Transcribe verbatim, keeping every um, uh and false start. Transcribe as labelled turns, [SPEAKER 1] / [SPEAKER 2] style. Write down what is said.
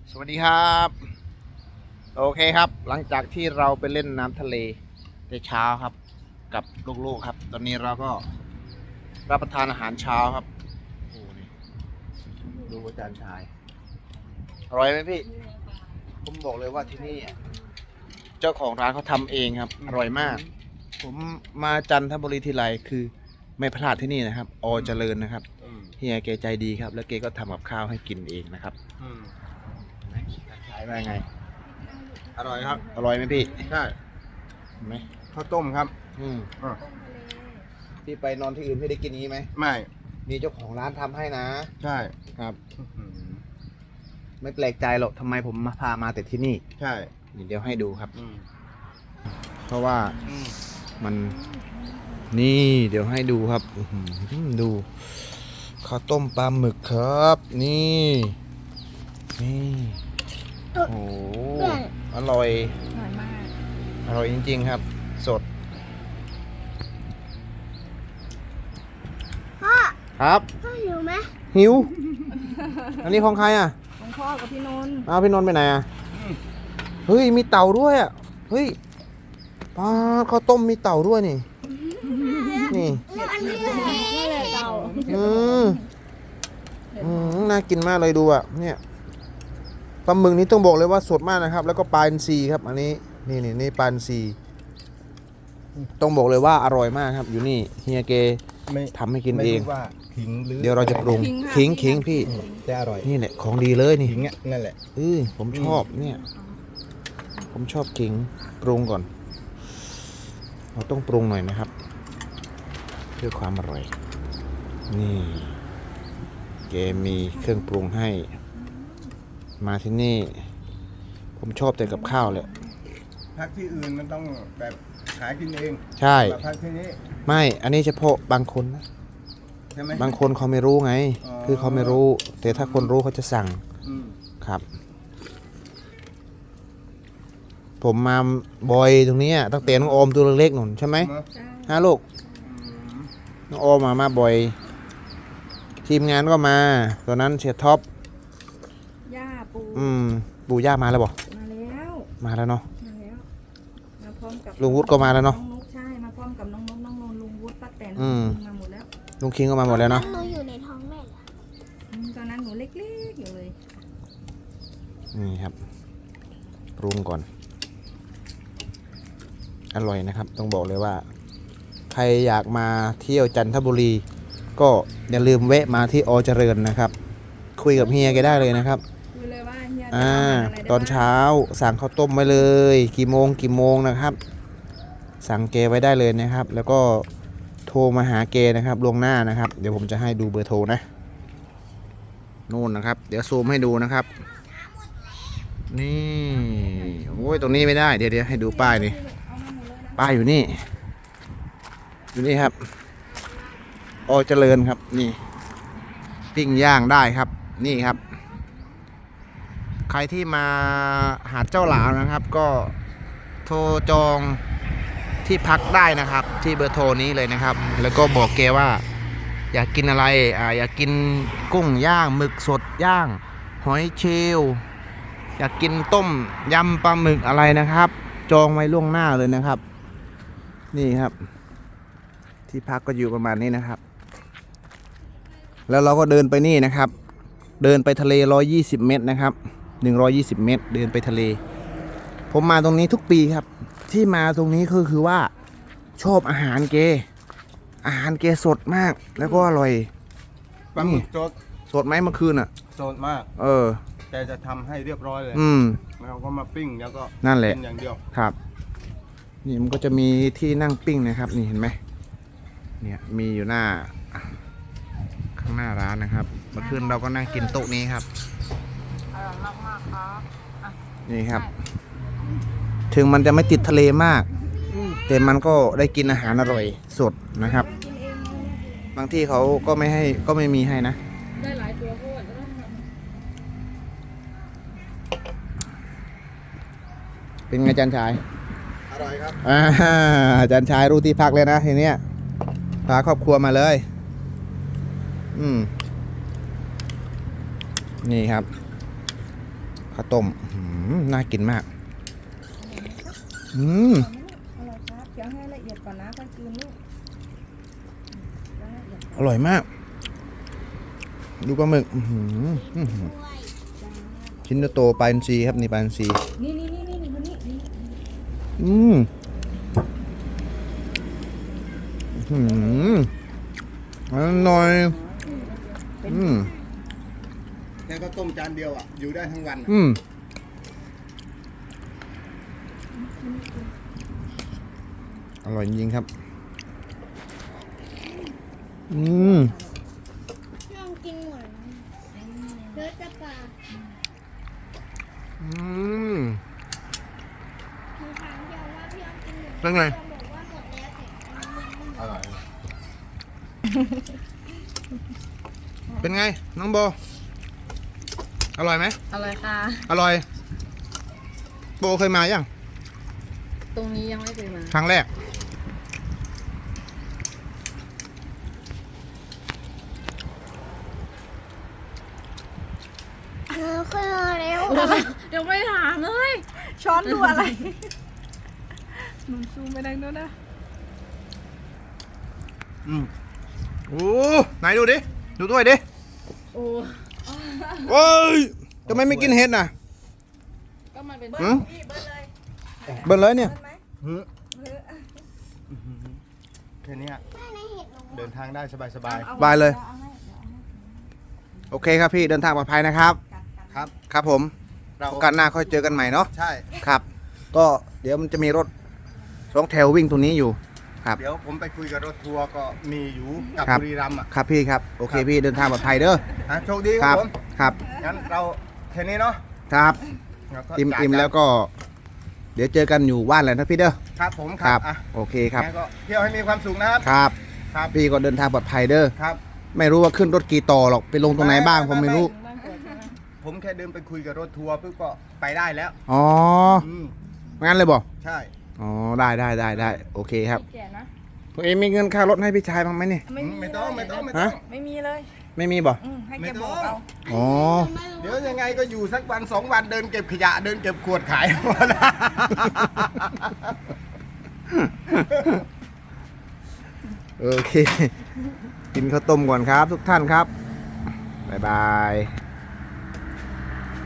[SPEAKER 1] สวัสดีครับโอเคครับหลังจากที่เราไปเล่นน้ำทะเลในเช้าครับกับลูกๆครับ ตอนนี้เราก็รับประทานอาหารเช้าครับโอ้นี่ดูอาจารย์ชายอร่อยไหมพี่ผมบอกเลยว่าที่นี่เจ้าของร้านเขาทำเองครับอร่อยมาก ผมมาจันทบุรีทีไรคือไม่พลาดที่นี่นะครับอเจริญนะครับเฮียแกใจดีครับแล้วแกก็ทำกับข้าวให้กินเองนะครับขายว่าไง
[SPEAKER 2] อร่อยครับ
[SPEAKER 1] อร่อยไหมพี่
[SPEAKER 2] ใช่
[SPEAKER 1] ไหม
[SPEAKER 2] ข้าวต้มครับ
[SPEAKER 1] อืม
[SPEAKER 2] อ่า
[SPEAKER 1] พี่ไปนอนที่อื่นพี่ได้กินนี้ไหม
[SPEAKER 2] ไม่
[SPEAKER 1] มีเจ้าของร้านทำให้นะ
[SPEAKER 2] ใช่
[SPEAKER 1] ครับไม่แปลกใจหรอกทำไมผมมาพามาแต่ที่นี่
[SPEAKER 2] ใช่
[SPEAKER 1] เดี๋ยวให้ดูครับเพราะว่ามันนี่เดี๋ยวให้ดูครับดูข้าวต้มปลาหมึกครับนี่นี่โอ้โหอร่อย
[SPEAKER 3] อร่อยมาก
[SPEAKER 1] อร่อยจริงๆครับสด
[SPEAKER 3] พ่อ
[SPEAKER 1] ครับ
[SPEAKER 3] พ่อหิวไหม
[SPEAKER 1] หิวอันนี้ของใครอ่ะ
[SPEAKER 3] ของพ่อกับพี่นนท์
[SPEAKER 1] อ้าวพี่นนท์ไปไหนอ่ะเฮ้ยมีเต่าด้วยอ่ะเฮ้ยปลาข้าวต้มมีเต่าด้วยนี่นี่
[SPEAKER 3] นี่แหละเต่า
[SPEAKER 1] อืมอืมน่ากินมากเลยดูอ่ะเนี่ยปลาหมึกนี้ต้องบอกเลยว่าสดมากนะครับแล้วก็ปลาอินทรีครับอันนี้นี่นี่นี่ปลาอินทรีต้องบอกเลยว่าอร่อยมากครับอยู่นี่เฮียเกทำให้กินเองเดี๋ยวเราจะปรุงขิงขิงพี่
[SPEAKER 2] แต่อร่อย
[SPEAKER 1] นี่แหละของดีเลยนี่
[SPEAKER 2] ขิงนั่นแหละ
[SPEAKER 1] เออผมชอบเนี่ยผมชอบขิงปรุงก่อนเราต้องปรุงหน่อยนะครับเพื่อความอร่อยนี่เกมีเครื่องปรุงให้มาที่นี่ผมชอบแต่กับข้าวเลย
[SPEAKER 2] พักที่อื่นมันต้องแบบหากินเอง
[SPEAKER 1] ใช่
[SPEAKER 2] พักที่นี้
[SPEAKER 1] ไม่อันนี้เฉพาะบางคนนะ
[SPEAKER 2] ใช่ไหม
[SPEAKER 1] บางคนเขาไม่รู้ไงคือเขาไม่รู้แต่ถ้าคนรู้เขาจะสั่งครับผมมาบ่อยตรงนี้ตั้งแต่น้องโอมตัวเล็กๆหนุนใช่ไหมฮะลูกน้องโอมมามาบ่อยทีมงานก็มาตอนนั้นเสียท็อป
[SPEAKER 3] ย่าปู
[SPEAKER 1] อืมปูย่ามาแล้วบอก
[SPEAKER 3] มาแล้ว
[SPEAKER 1] มาแล้วเนาะ
[SPEAKER 3] มาแล้วมาพร้อมกับ
[SPEAKER 1] ลุงวุฒิก็มาแล้วเนาะ
[SPEAKER 3] น้องนุ๊กใช่มาพร้อมกับน้องนุ๊กน้องนนลุงวุฒิป้าแตนมาหมดแล้ว
[SPEAKER 1] ลุงคิงก็มาหมดแล้วเนาะ
[SPEAKER 3] หนูอยู่ในท้องแม่ตอนนั้นหนูเล็กๆอยู่เลย
[SPEAKER 1] นี่ครับปรุงก่อนอร่อยนะครับต้องบอกเลยว่าใครอยากมาเที่ยวจันทบุรีก็อย่าลืมแวะมาที่อเจริญนะครับคุยกับเฮียแกได้เลยนะครับ
[SPEAKER 3] คุยเลยว่าเฮีย
[SPEAKER 1] อ่าตอนเช้าสั่งข้าวต้มไว้เลยกี่โมงกี่โมงนะครับสั่งเกไว้ได้เลยนะครับแล้วก็โทรมาหาเกนะครับล่วงหน้านะครับเดี๋ยวผมจะให้ดูเบอร์โทรนะนู่นนะครับเดี๋ยวซูมให้ดูนะครับนี่โอ้ยตรงนี้ไม่ได้เดี๋ยวเดี๋ยวให้ดูป้ายนี่ป้ายอยู่นี่อยู่นี่ครับอเจริญครับนี่ปิ้งย่างได้ครับนี่ครับใครที่มาหาดเจ้าหลาวนะครับก็โทรจองที่พักได้นะครับที่เบอร์โทรนี้เลยนะครับแล้วก็บอกแกว่าอยากกินอะไรอ่าอยากกินกุ้งย่างหมึกสดย่างหอยเชลล์อยากกินต้มยำปลาหมึกอะไรนะครับจองไว้ล่วงหน้าเลยนะครับนี่ครับที่พักก็อยู่ประมาณนี้นะครับแล้วเราก็เดินไปนี่นะครับเดินไปทะเลหนึ่งร้อยยี่สิบเมตรนะครับหนึ่งร้อยยี่สิบเมตรเดินไปทะเลผมมาตรงนี้ทุกปีครับที่มาตรงนี้ก็คือว่าชอบอาหารเกอาหารเกสดมากแล้วก็อร่อย
[SPEAKER 2] ปลาหมึกสด
[SPEAKER 1] สดไหมเมื่อคืนอ่ะ
[SPEAKER 2] สดมาก
[SPEAKER 1] เออ
[SPEAKER 2] แต่จะทำให้เรียบร้อยเลย
[SPEAKER 1] อืม
[SPEAKER 2] แล้วก็มาปิ้งแล้วก็
[SPEAKER 1] นั่นแหละ
[SPEAKER 2] อย่างเดียว
[SPEAKER 1] ครับนี่มันก็จะมีที่นั่งปิ้งนะครับนี่เห็นไหมเนี่ยมีอยู่หน้าข้างหน้าร้านนะครับเมื่อคืนเราก็นั่งกินโต๊ะนี้ครับ
[SPEAKER 3] อร่อยมากๆครับ
[SPEAKER 1] นี่ครับถึงมันจะไม่ติดทะเลมากแต่มันก็ได้กินอาหารอร่อยสดนะครับบางที่เขาก็ไม่ให้ก็ไม่มีให้นะ
[SPEAKER 3] ได้หลายตัวโคตร
[SPEAKER 1] เป็นไงอาจารย์ชาย
[SPEAKER 2] อร่อยครับ
[SPEAKER 1] อาจารย์ชายรู้ที่พักเลยนะทีเนี้ยพาครอบครัวมาเลยอืมนี่ครับข้าวต้มอื้อหือน่ากินมากอืม
[SPEAKER 3] อร่อยครับเคี้ยวให้ละเอียดก่อนนะค่อยกลืนลูกแล้วละเอียด
[SPEAKER 1] อร่อยมาก ดูปลาหมึกอื้อหืออื้อหือชิ้นโตๆปลาอินทรีครับนี่ปลาอินทรี
[SPEAKER 3] นี่นี่นี่นี่คนนี้นี่
[SPEAKER 1] อืมอื้อหืออร่อยอืม
[SPEAKER 2] แล้วก็ต้มจานเดียวอ่ะอยู่ได้ทั้งวันอะ
[SPEAKER 1] อืมอร่อยจริงๆครับ อืม
[SPEAKER 4] พี่ลองกินหมดเลือดจะปลา
[SPEAKER 1] อืม
[SPEAKER 4] หนูถามพี่ออมว่าพี่ลองกินหมด
[SPEAKER 1] เป็นไง
[SPEAKER 4] พี่ออมบอกว่าหมดแล้วแต่มันมัน
[SPEAKER 2] อร่อย
[SPEAKER 1] เป็นไง น้องโบ อร่อยไหม
[SPEAKER 3] อร่อยค่ะ
[SPEAKER 1] อร่อย โบเคยมายัง
[SPEAKER 3] ตรงนี้ยังไม่เคยมา
[SPEAKER 1] ครั้งแรก
[SPEAKER 4] เออขึ้นมาแล้ว
[SPEAKER 3] เดี๋ยวไม่ถามเลย ช้อนดูอะไรหนูซูมไปดังนู้นนะ
[SPEAKER 2] อืม
[SPEAKER 1] โอ้ไหนดูดิ ดูด้วยดิ
[SPEAKER 3] โอ้
[SPEAKER 1] โอ้ยทำไมไม่กินเห็ดน่ะ
[SPEAKER 3] ก็มันเป็น
[SPEAKER 1] หืม
[SPEAKER 3] พี่เบิ้ลเลย
[SPEAKER 1] เบิ่นเลยเนี่ย
[SPEAKER 3] เบิ้ลไหม
[SPEAKER 2] หือ
[SPEAKER 3] เบิ้ล
[SPEAKER 2] แค่เนี้ย
[SPEAKER 4] แม่ในเห็ดหนู
[SPEAKER 2] เดินทางได้สบาย
[SPEAKER 3] อ
[SPEAKER 1] บายเลย
[SPEAKER 3] อาให้เดี๋ยวเอาให้
[SPEAKER 1] โอเคครับพี่ เดินทางปลอดภัยนะครับ
[SPEAKER 3] กัดกัด
[SPEAKER 2] ๆครับ
[SPEAKER 1] ครับผม
[SPEAKER 2] เรา
[SPEAKER 1] โอกาสหน้าค่อยเจอกันใหม่เนาะ
[SPEAKER 2] ใช่
[SPEAKER 1] ครับ ก็เดี๋ยวมันจะมีรถสองแถววิ่งตรงนี้อยู่ ครับ
[SPEAKER 2] เดี๋ยวผมไปคุยกับรถทัวร์ก็มีอยู่กับ
[SPEAKER 1] ครับ
[SPEAKER 2] บุรีรัมย์อ่ะ
[SPEAKER 1] ครับพี่ครับ โอเค
[SPEAKER 2] ครับ
[SPEAKER 1] พี่ เดินทางปลอดภัยเด้อ
[SPEAKER 2] ฮะโชคดี
[SPEAKER 1] ค
[SPEAKER 2] ค
[SPEAKER 1] รั
[SPEAKER 2] รั
[SPEAKER 1] บบ
[SPEAKER 2] ผม
[SPEAKER 1] ครับ
[SPEAKER 2] งั้นเราแค่นี้เนาะ
[SPEAKER 1] ครับ
[SPEAKER 2] เราก็
[SPEAKER 1] อิ่ม
[SPEAKER 2] จ่าย
[SPEAKER 1] อิ่ม
[SPEAKER 2] กัน
[SPEAKER 1] แล้วก็ เดี๋ยวเจอกันอยู่บ้านแหละนะพี่เด้อ
[SPEAKER 2] ครับผมค
[SPEAKER 1] ค
[SPEAKER 2] รั
[SPEAKER 1] รั
[SPEAKER 2] บบ อ่ะ
[SPEAKER 1] โอเคครับ
[SPEAKER 2] งั้นก็เที่ยวให้มีความสุขนะครับ
[SPEAKER 1] ครับ
[SPEAKER 2] ครับ
[SPEAKER 1] พี่ก็เดินทางปลอดภัยเด้อ
[SPEAKER 2] ครับ
[SPEAKER 1] ไม่รู้ว่าขึ้นรถกี่ต่อหรอก ไปลงตรงไหนบ้างผมไม่รู้
[SPEAKER 3] ถึงบ้านกวดใช่ไหม
[SPEAKER 2] ผมแค่เดินไปคุยกับรถทัวร์ปุ๊บก็ไปได้แล้ว
[SPEAKER 1] อ๋อ
[SPEAKER 2] อืม
[SPEAKER 1] งั้นเลยบอก
[SPEAKER 2] ใช่
[SPEAKER 1] อ๋อ ได้ได้ได้ได้โอเคครับ
[SPEAKER 3] แก่นะ
[SPEAKER 1] ตัวเองมีเงินค่ารถให้พี่ชายบ้างไหมเนี่ย
[SPEAKER 3] ไม่มี
[SPEAKER 2] ไม่ต้อง
[SPEAKER 3] เลย
[SPEAKER 2] ไม่ต้องไม่
[SPEAKER 1] ฮะ
[SPEAKER 2] ต้อง
[SPEAKER 3] ไม่มีเลย
[SPEAKER 1] ไม่มีบ่
[SPEAKER 3] อืมให้
[SPEAKER 2] ไม่
[SPEAKER 3] แก
[SPEAKER 2] ต้
[SPEAKER 3] บ
[SPEAKER 2] อง
[SPEAKER 3] อกเอา
[SPEAKER 1] อ๋อ
[SPEAKER 2] เดี๋ยวยังไงก็อยู่สักวันสองวันเดินเก็บขยะเดินเก็บขวดขาย
[SPEAKER 1] โอเค กินข้าวต้มก่อนครับทุกท่านครับ บ๊ายบาย